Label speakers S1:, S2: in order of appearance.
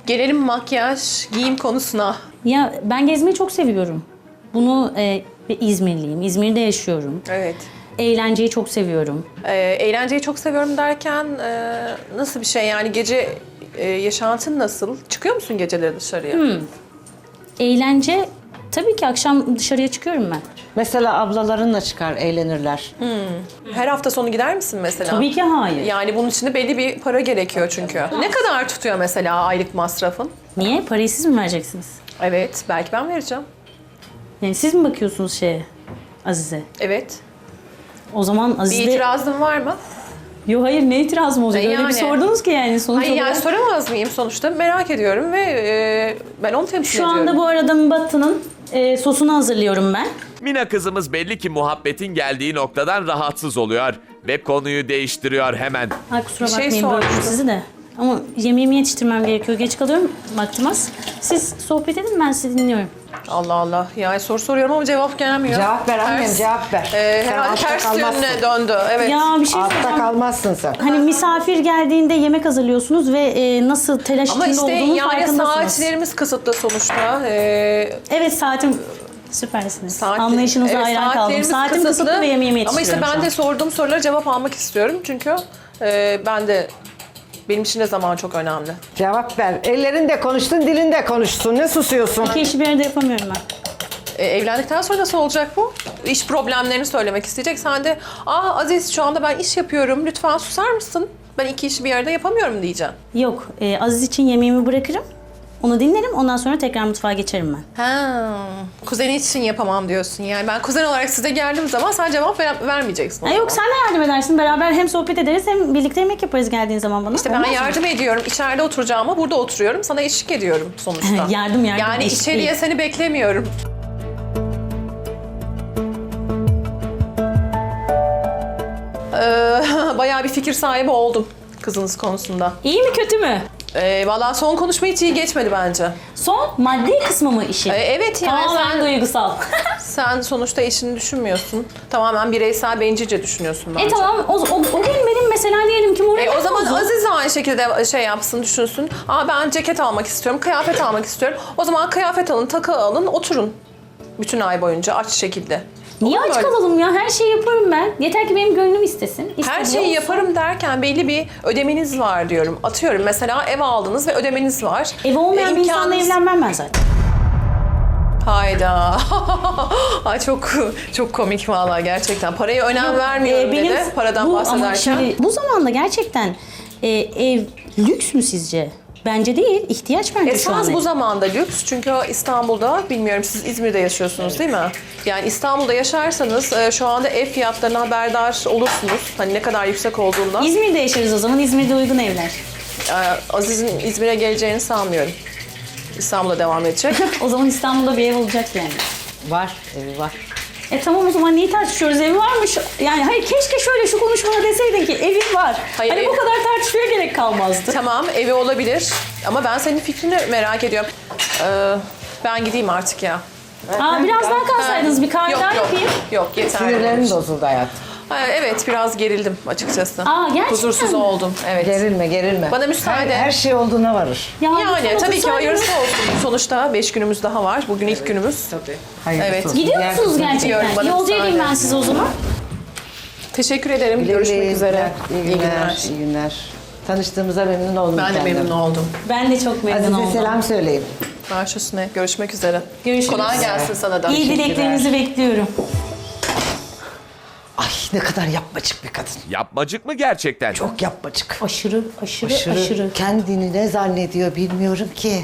S1: Gelelim makyaj, giyim konusuna.
S2: Ya ben gezmeyi çok seviyorum. Bunu İzmirliyim. İzmir'de yaşıyorum.
S1: Evet.
S2: Eğlenceyi çok seviyorum.
S1: Eğlenceyi çok seviyorum derken nasıl bir şey yani gece yaşantın nasıl? Çıkıyor musun geceleri dışarıya?
S2: Eğlence tabii ki akşam dışarıya çıkıyorum ben.
S3: Mesela ablalarınla çıkar, eğlenirler.
S1: Her hafta sonu gider misin mesela?
S2: Tabii ki hayır.
S1: Yani bunun için de belli bir para gerekiyor çünkü. Ne kadar tutuyor mesela aylık masrafın?
S2: Niye? Parayı siz mi vereceksiniz?
S1: Evet, belki ben vereceğim.
S2: Yani siz mi bakıyorsunuz şeye, Azize?
S1: Evet.
S2: O zaman
S1: Bir
S2: Azize...
S1: itirazın var mı?
S2: Yok hayır, ne itirazım olacak? Öyle
S1: Yani.
S2: bir sordunuz ki yani sonuç
S1: Hayır yani
S2: olarak.
S1: soramaz mıyım sonuçta? Merak ediyorum ve ben onu temsil
S2: Şu
S1: ediyorum.
S2: anda bu arada Mbatta'nın sosunu hazırlıyorum ben.
S4: Mina kızımız belli ki muhabbetin geldiği noktadan rahatsız oluyor ve konuyu değiştiriyor hemen.
S2: Ay kusura
S1: Bir şey
S2: bakmayın böldüm
S1: sormuştum.
S2: sizi de. Ama yemeğimi yetiştirmem gerekiyor. Geç kalıyorum vaktim az. Siz sohbet edin, ben sizi dinliyorum.
S1: Allah Allah. Yani soru soruyorum ama cevap gelmiyor.
S3: Cevap ver annem, cevap ver. Sen
S1: Herhalde
S3: altta
S1: ters
S3: kalmazsın.
S1: yönüne döndü. Evet.
S2: Ya bir şey
S3: Altta
S2: söyleyeceğim.
S3: kalmazsın sen.
S2: Hani misafir geldiğinde yemek hazırlıyorsunuz ve nasıl telaş
S1: Ama
S2: içinde
S1: işte
S2: olduğunun
S1: yani
S2: farkındasınız.
S1: saatlerimiz kısıtlı sonuçta.
S2: Evet saatim süpersiniz.
S1: Saat-
S2: Anlayışınıza
S1: evet,
S2: hayran kaldım.
S1: saatlerimiz
S2: Saatim kısıtlı ve yemeğimi
S1: Ama
S2: yetiştiriyorum
S1: işte ben
S2: şu
S1: de
S2: an.
S1: sorduğum sorulara cevap almak istiyorum. Çünkü benim için de zaman çok önemli.
S3: Cevap ver. Ellerin de konuştun, dilin de konuşsun. Ne susuyorsun?
S2: İki işi bir arada yapamıyorum ben.
S1: Evlendikten sonra nasıl olacak bu? İş problemlerini söylemek isteyecek. Sen de Aziz şu anda ben iş yapıyorum. Lütfen susar mısın? Ben iki işi bir arada yapamıyorum diyeceğim.
S2: Yok, Aziz için yemeğimi bırakırım. Onu dinlerim, ondan sonra tekrar mutfağa geçerim ben.
S1: Kuzeni için yapamam diyorsun. Yani ben kuzen olarak size geldiğim zaman sen cevap vermeyeceksin. o
S2: Yok,
S1: zaman.
S2: sen de yardım edersin. Beraber hem sohbet ederiz hem birlikte yemek yaparız geldiğin zaman bana.
S1: İşte ben
S2: Olmaz mı?
S1: yardım ediyorum. İçeride oturacağıma burada oturuyorum. Sana eşlik ediyorum sonuçta.
S2: Yardım,
S1: Yani
S2: eşlik
S1: içeriye
S2: değil.
S1: seni beklemiyorum. Bayağı bir fikir sahibi oldum kızınız konusunda.
S2: İyi mi kötü mü?
S1: Vallahi son konuşma hiç iyi geçmedi bence.
S2: Son maddi kısmı mı işi?
S1: Evet yani
S2: Tamamen duygusal.
S1: sen sonuçta eşini düşünmüyorsun. Tamamen bireysel bencilce düşünüyorsun bence.
S2: Tamam o gün benim mesela diyelim ki moralim
S1: O zaman
S2: bozuldu.
S1: Aziz de aynı şekilde şey yapsın, düşünsün. Ben ceket almak istiyorum, kıyafet almak istiyorum. O zaman kıyafet alın, takı alın, oturun. Bütün ay boyunca aç şekilde.
S2: Niye
S1: Olur mu
S2: aç
S1: öyle?
S2: kalalım ya? Her şeyi yaparım ben. Yeter ki benim gönlüm istesin.
S1: Her
S2: İstediği
S1: şeyi
S2: olsun.
S1: yaparım derken belli bir ödemeniz var diyorum. Atıyorum mesela ev aldınız ve ödemeniz var.
S2: Evi olmayan bir insanla
S1: İmkanınız-
S2: evlenmem ben zaten.
S1: Hayda. Ay çok komik vallahi gerçekten. Paraya önem vermiyorum dedi. Paradan
S2: ama
S1: bahsederken.
S2: şimdi bu zamanda gerçekten ev lüks mü sizce? Bence değil. İhtiyaç bence şu an.
S1: Esas bu zamanda lüks çünkü İstanbul'da, bilmiyorum siz İzmir'de yaşıyorsunuz değil mi? Yani İstanbul'da yaşarsanız şu anda ev fiyatlarına haberdar olursunuz. Hani ne kadar yüksek olduğundan.
S2: İzmir'de yaşarız o zaman. İzmir'de uygun evler.
S1: Aziz'in İzmir'e geleceğini sanmıyorum. İstanbul'da devam edecek.
S2: O zaman İstanbul'da bir ev olacak yani.
S3: Var, evi var.
S2: Tamam o zaman niye tartışıyoruz? Evi varmış. Yani hayır keşke şöyle şu konuşmada deseydin ki evim var.
S1: Hayır,
S2: hani bu kadar tartışmaya gerek kalmazdı.
S1: Tamam evi olabilir ama ben senin fikrini merak ediyorum. Ben gideyim artık ya.
S2: Biraz daha kalsaydınız bir kahve daha yapayım.
S1: Yok yeter.
S3: Sinirlerin bozuldu hayatım.
S1: Evet biraz gerildim açıkçası.
S2: Gerçekten
S1: Huzursuz
S2: mi?
S1: oldum. Evet.
S3: Gerilme, gerilme.
S1: Bana müsaade.
S3: Her şey olduğuna varır.
S2: Ya,
S1: Yani
S2: lütfen
S1: tabii ki
S2: otursaydınız.
S1: hayırlısı olsun. Sonuçta 5 günümüz daha var. Bugün ilk günümüz.
S3: Hayırlısı
S1: Evet.
S3: olsun.
S2: Gidiyor
S3: Diğer
S2: musunuz
S3: kısmı
S2: gerçekten?
S1: gidiyorum, bana
S2: Yolcu edeyim
S1: müsaade.
S2: ben size o zaman.
S1: Teşekkür ederim.
S3: Güle
S1: Görüşmek
S3: güle,
S1: üzere.
S3: İyi günler. İyi günler. Tanıştığımıza memnun oldum.
S1: Ben de
S3: kendim.
S1: memnun oldum.
S2: Ben de çok memnun
S3: Azize
S2: oldum.
S3: selam söyleyin.
S1: Baş üstüne. Görüşmek üzere.
S2: Görüşürüz.
S1: Kolay gelsin sana da.
S2: İyi dileklerinizi bekliyorum.
S3: Ay ne kadar yapmacık bir kadın.
S4: Yapmacık mı gerçekten?
S3: Çok yapmacık.
S2: Aşırı.
S3: Kendini ne zannediyor bilmiyorum ki.